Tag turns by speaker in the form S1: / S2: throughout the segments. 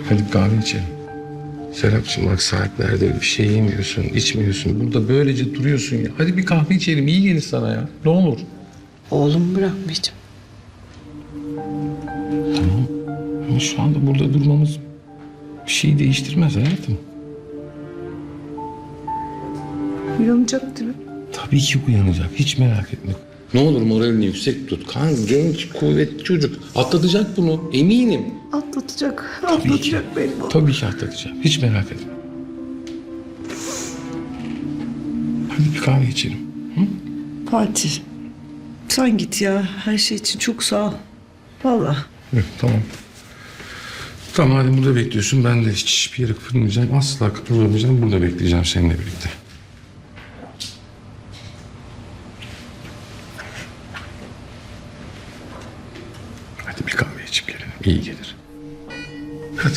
S1: Hadi kahve içelim. Serapcığım bak saatlerdir bir şey yemiyorsun, içmiyorsun. Burada böylece duruyorsun ya. Hadi bir kahve içelim, iyi gelir sana ya. Ne olur.
S2: Oğlum bırakmayacağım.
S1: Tamam. Ama şu anda burada durmamız bir şey değiştirmez hayatım.
S2: Uyanacak değil mi?
S1: Tabii ki uyanacak. Hiç merak etme. Ne olur moralini yüksek tut. Kan genç, kuvvetli çocuk. Atlatacak bunu. Eminim.
S2: Atlatacak.
S1: Tabii ki.
S2: Atlatacak benim oğlum.
S1: Tabii ki atlatacak. Hiç merak etme. Hadi bir kahve içelim. Hı?
S2: Fatih. Sen git ya. Her şey için çok sağ ol. Vallahi.
S1: Evet, tamam. Tamam hadi burada bekliyorsun. Ben de hiçbir yere kıpırmayacağım. Asla kıpırmayacağım. Burada bekleyeceğim seninle birlikte. Hadi bir kahve içip gelelim. İyi gelir. Hadi.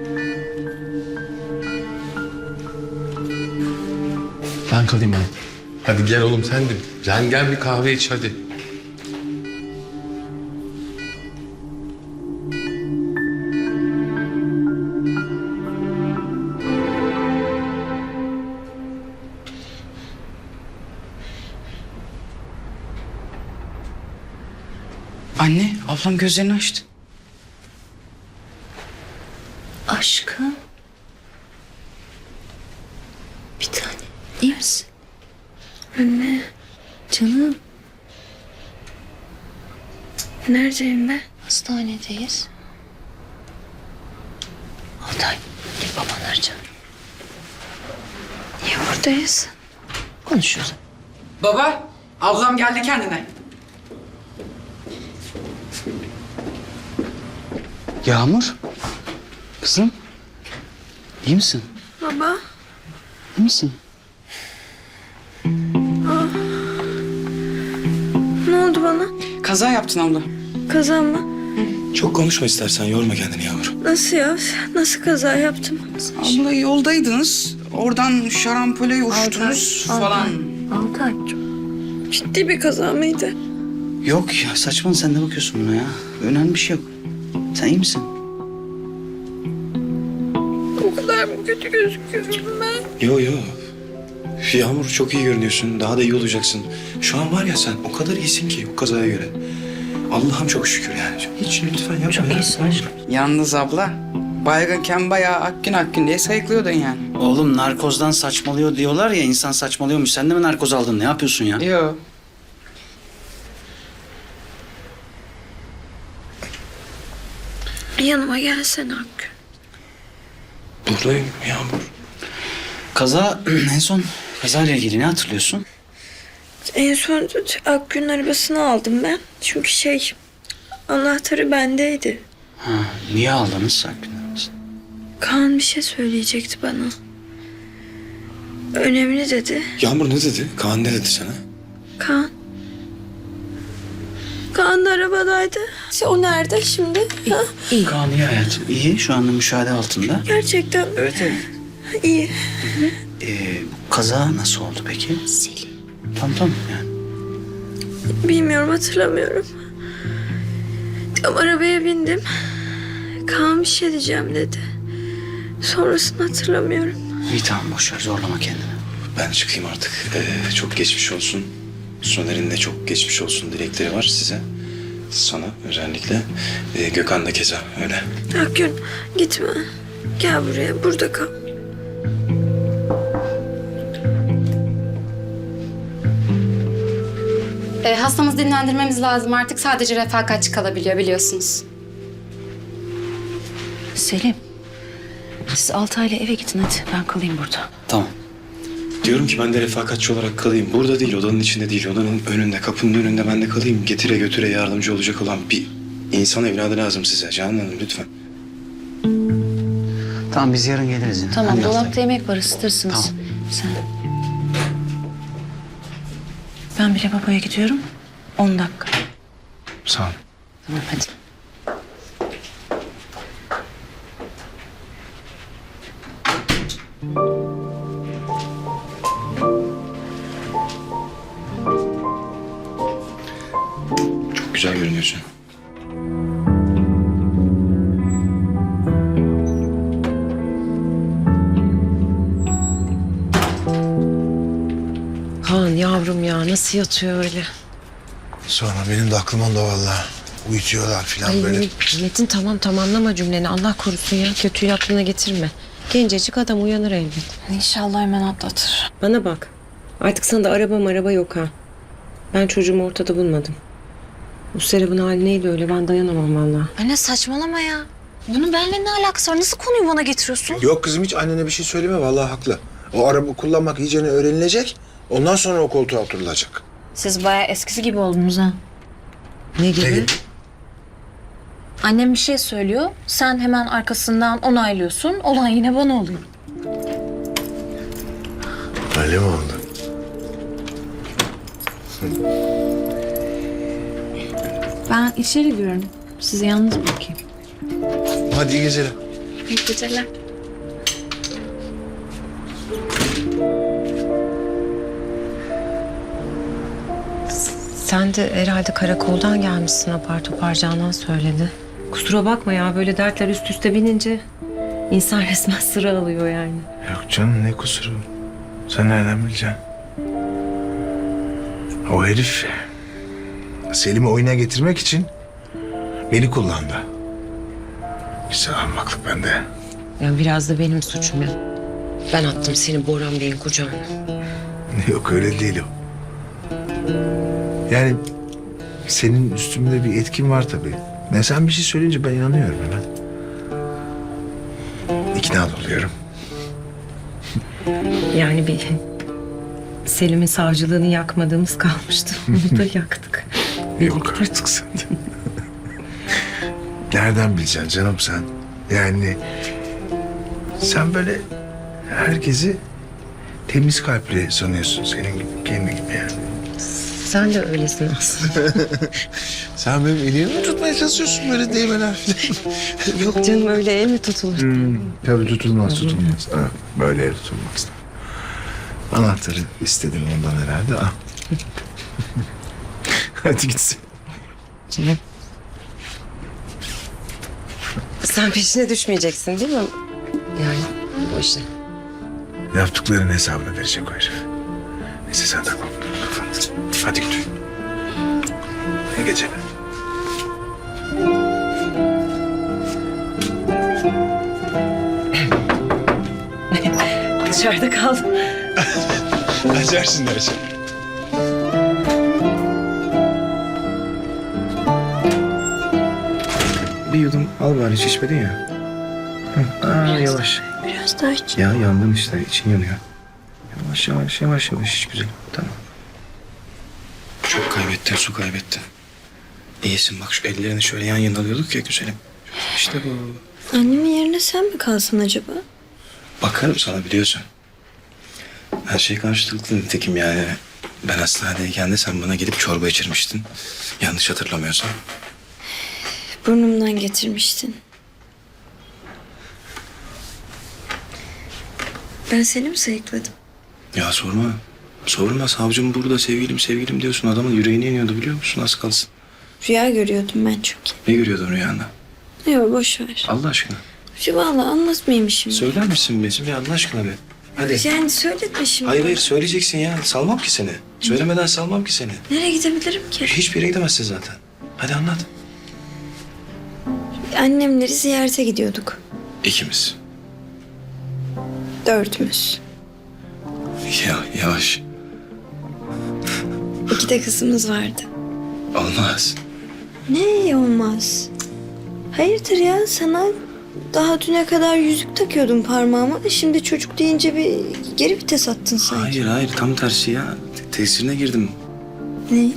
S1: Ben kalayım oğlum. Hadi gel oğlum sen de. Sen gel bir kahve iç hadi.
S3: Anne, ablam gözlerini açtı.
S4: Aşkım. Bir tane. İyi misin?
S5: Anne,
S4: Canım.
S5: neredeyim ben?
S4: Hastanedeyiz. Altay. Gel babanı arayacağım.
S5: Niye buradayız?
S4: Konuşuyoruz.
S3: Baba, ablam geldi kendine.
S6: Yağmur. Kızım. İyi misin?
S5: Baba,
S6: İyi misin?
S5: ne oldu bana?
S3: Kaza yaptın abla.
S5: Kaza mı?
S7: Çok konuşma istersen, yorma kendini Yağmur.
S5: Nasıl ya? Nasıl kaza yaptım?
S3: Abla yoldaydınız. Oradan şarampole uçtunuz falan.
S4: Altay.
S5: Ciddi bir kaza mıydı?
S6: Yok ya, saçma, sen ne bakıyorsun buna ya? Önemli bir şey yok. Sen iyi misin?
S5: O kadar mı kötü gözüküyorum ben?
S7: Yo yo. Yağmur çok iyi görünüyorsun, daha da iyi olacaksın. Şu an var ya sen o kadar iyisin ki o kazaya göre. Allah'ım çok şükür yani. Hiç lütfen yapma
S4: Çok
S7: ya.
S4: iyisin aşkım.
S3: Yalnız abla, baygınken bayağı akgün diye sayıklıyordun yani.
S6: Oğlum narkozdan saçmalıyor diyorlar ya, insan saçmalıyormuş. Sen de mi narkoz aldın? Ne yapıyorsun ya?
S3: Yo.
S5: Yanıma gelsene Hakkı.
S7: Buradayım Yağmur.
S6: Kaza, en son kazayla ilgili ne hatırlıyorsun?
S5: En son Akgün'ün arabasını aldım ben. Çünkü anahtarı bendeydi.
S6: Ha, niye aldınız sakin?
S5: Kaan bir şey söyleyecekti bana. Önemli dedi.
S7: Yağmur ne dedi? Kaan ne dedi sana?
S5: Kaan. Kaan da arabadaydı. O nerede şimdi? Ha?
S6: Kaan iyi hayatım. İyi, şu anda müşahede altında.
S5: Gerçekten
S6: Evet evet.
S5: iyi.
S6: Kaza nasıl oldu peki?
S4: Selim.
S6: Tamam yani.
S5: Bilmiyorum, hatırlamıyorum. Tam arabaya bindim. Kaan bir şey diyeceğim dedi. Sonrasını hatırlamıyorum.
S6: İyi tamam, boş ver, zorlama kendini.
S7: Ben çıkayım artık. Çok geçmiş olsun. Soner'in de çok geçmiş olsun dilekleri var size. Sana özellikle. Gökhan da keza öyle.
S5: Akgün gitme. Gel buraya, burada kal.
S8: Hastamızı dinlendirmemiz lazım. Artık sadece refakatçi kalabiliyor biliyorsunuz.
S4: Selim. Siz Altay'la eve gidin hadi. Ben kalayım burada.
S6: Tamam.
S7: Diyorum ki ben de refakatçi olarak kalayım. Burada değil, odanın içinde değil. Odanın önünde, kapının önünde ben de kalayım. Getire götüre yardımcı olacak olan bir insan evladı lazım size. Canan Hanım lütfen.
S6: Tamam, biz yarın geliriz yine.
S4: Tamam,
S6: Hadi
S4: dolapta
S6: Altay.
S4: yemek var, ısıtırsınız.
S6: Tamam.
S4: Sen. Ben bile babaya gidiyorum. 10 dakika.
S7: Sağ ol.
S4: Tamam hadi.
S7: Çok güzel görünüyorsun.
S9: yavrum ya nasıl yatıyor öyle?
S10: Sonra benim de aklım onda vallahi. Uyutuyorlar falan
S9: Ay
S10: böyle.
S9: Metin tamam anlama cümleni Allah korusun ya. Kötüyü aklına getirme. Gencecik adam uyanır elbet.
S4: İnşallah hemen atlatır.
S9: Bana bak. Artık sana da araba yok ha. Ben çocuğumu ortada bulmadım. Bu Serap'ın hali neydi öyle ben dayanamam vallahi.
S4: Anne saçmalama ya. Bunun benimle ne alakası var? Nasıl konuyu bana getiriyorsun?
S10: Yok kızım hiç annene bir şey söyleme vallahi haklı. O araba kullanmak iyicene öğrenilecek. Ondan sonra o koltuğa oturulacak.
S4: Siz bayağı eskisi gibi oldunuz ha.
S9: Ne gibi?
S10: Ne gibi?
S4: Annem bir şey söylüyor. Sen hemen arkasından onaylıyorsun. Olan yine bana oluyor.
S10: Öyle mi oldu?
S4: Ben içeri giriyorum. Sizi yalnız bırakayım.
S10: Hadi iyi geceler.
S4: İyi geceler.
S9: Sen de herhalde karakoldan gelmişsin apar topar Canan söyledi. Kusura bakma ya böyle dertler üst üste binince insan resmen sıra alıyor yani.
S10: Yok canım ne kusuru. Sen nereden bileceksin? O herif Selim'i oyuna getirmek için beni kullandı. Güzel ahmaklık bende.
S9: Yani biraz da benim suçum ya. Ben attım seni Boran Bey'in kucağına.
S10: Yok öyle değil o. Yani senin üstümde bir etkin var tabii. Ne sen bir şey söyleyince ben inanıyorum hemen. İkna oluyorum.
S9: Yani bir Selim'in savcılığını yakmadığımız kalmıştı. Onu da yaktık.
S10: Yok artık sen de. Nereden bileceksin canım sen? Yani sen böyle herkesi temiz kalpli sanıyorsun senin gibi, kendi gibi yani.
S9: Sen de öylesin aslında.
S10: Sen benim elimi mi tutmaya çalışıyorsun böyle değmeler falan?
S9: Yok canım öyle el mi tutulur?
S10: Tabii tutulmaz. Ha, böyle el tutulmaz. Anahtarı istedin ondan herhalde. Al. Hadi gitsin.
S9: Sen peşine düşmeyeceksin değil mi? Yani o işte.
S10: Yaptıklarının hesabını verecek o herif. Neyse sen de kafanı. Hadi git. İyi geceler.
S9: Dışarıda kaldım.
S10: Açarsın dersin.
S7: Bir yudum al bari hiç içmedin ya. Yavaş.
S5: Biraz daha iç.
S7: Ya yandın işte için yanıyor. Yavaş hiç güzel. Tamam. Çok kaybettin su kaybettin. İyisin bak şu ellerini şöyle yan yana alıyorduk ya güzelim. İşte bu.
S5: Annemin yerine sen mi kalsın acaba?
S7: Bakarım sana biliyorsun. Her şey karşılıklı nitekim yani. Ben hastanedeyken de sen bana gelip çorba içirmiştin. Yanlış hatırlamıyorsam.
S5: Burnumdan getirmiştin. Ben seni mi sayıkladım?
S7: Ya sorma. Sorma savcım burada sevgilim diyorsun. Adamın yüreğine iniyordu biliyor musun az kalsın.
S5: Rüya görüyordum ben çünkü.
S7: Ne görüyordun rüyanda?
S5: Yok boş ver.
S7: Allah aşkına.
S5: Vallahi anlatmayayım şimdi.
S7: Söyler misin bizim ya Allah aşkına be? Hadi.
S5: Yani söyletme şimdi.
S7: Hayır söyleyeceksin ya. Salmam ki seni. Söylemeden salmam ki seni.
S5: Nereye gidebilirim ki?
S7: Hiçbir yere gidemezsin zaten. Hadi anlat.
S5: Annemleri ziyarete gidiyorduk.
S7: İkimiz.
S5: 4'ümüz.
S7: Ya yavaş.
S5: 2 de kızımız vardı.
S7: Olmaz.
S5: Ne olmaz? Hayırdır ya sana daha düne kadar yüzük takıyordum parmağıma. Şimdi çocuk deyince bir geri vites attın sanki.
S7: Hayır tam tersi ya. Tesirine girdim.
S5: Ne?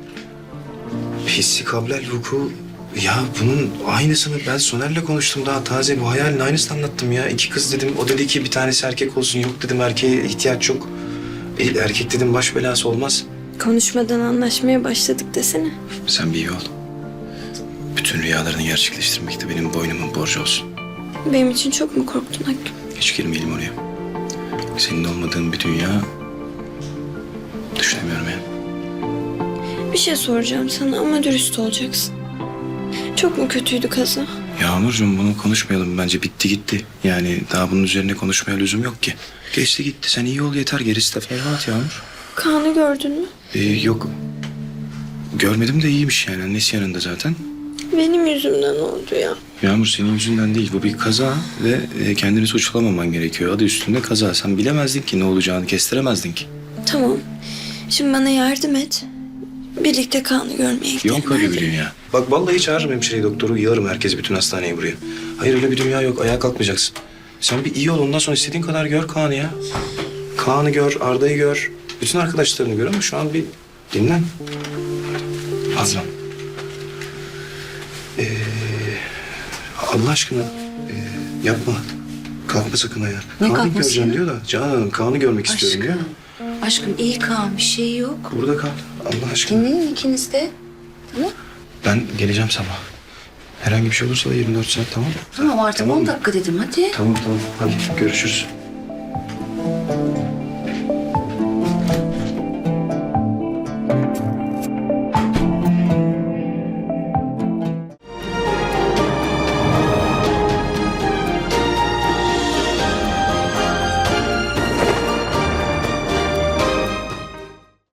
S7: Hissi kablel vuku. Ya bunun aynısını ben Soner'le konuştum daha taze. Bu hayalin aynısını anlattım ya. 2 kız dedim. O dedi ki bir tanesi erkek olsun. Yok dedim erkeğe ihtiyaç yok. Erkek dedim baş belası olmaz.
S5: Konuşmadan anlaşmaya başladık desene.
S7: Sen bir iyi ol. Bütün rüyalarını gerçekleştirmek de benim boynumun borcu olsun.
S5: Benim için çok mu korktun Hakkı?
S7: Hiç girmeyelim oraya. Senin olmadığın bir dünya düşünemiyorum ya.
S5: Bir şey soracağım sana ama dürüst olacaksın. Çok mu kötüydü kaza?
S7: Yağmurcuğum bunu konuşmayalım bence bitti gitti. Yani daha bunun üzerine konuşmaya lüzum yok ki. Geçti gitti sen iyi ol yeter gerisi de ferhat Yağmur.
S5: Kaan'ı gördün mü?
S7: Yok. Görmedim de iyiymiş yani. Annesi yanında zaten.
S5: Benim yüzümden oldu ya.
S7: Yağmur senin yüzünden değil. Bu bir kaza ve kendini suçlamaman gerekiyor. Adı üstünde kaza. Sen bilemezdin ki ne olacağını, kestiremezdin ki.
S5: Tamam. Şimdi bana yardım et. Birlikte Kaan'ı görmeye gidelim.
S7: Yok öyle
S5: hadi.
S7: bir dünya. Bak vallahi çağırırım hemşireyi, doktoru, yığarım herkesi, bütün hastaneyi buraya. Hayır öyle bir dünya yok. Ayağa kalkmayacaksın. Sen bir iyi ol, ondan sonra istediğin kadar gör Kaan'ı ya. Kaan'ı gör, Arda'yı gör. Bütün arkadaşlarını gör ama şu an bir dinlen. Azam. Allah aşkına yapma. Kalkma sakın ayağa. Kaan'ı
S2: kalkması
S7: göreceğim
S2: ya?
S7: diyor da. Canan Kaan'ı görmek istiyorum diyor.
S2: Aşkım iyi Kaan, bir şey yok.
S7: Burada kal. Allah aşkına.
S2: Dinleyin ikiniz de.
S7: Ben geleceğim sabah. Herhangi bir şey olursa da 24 saat, tamam mı?
S2: Tamam artık
S7: Tamam
S2: 10
S7: mı?
S2: dakika dedim hadi.
S7: Tamam. Hadi görüşürüz.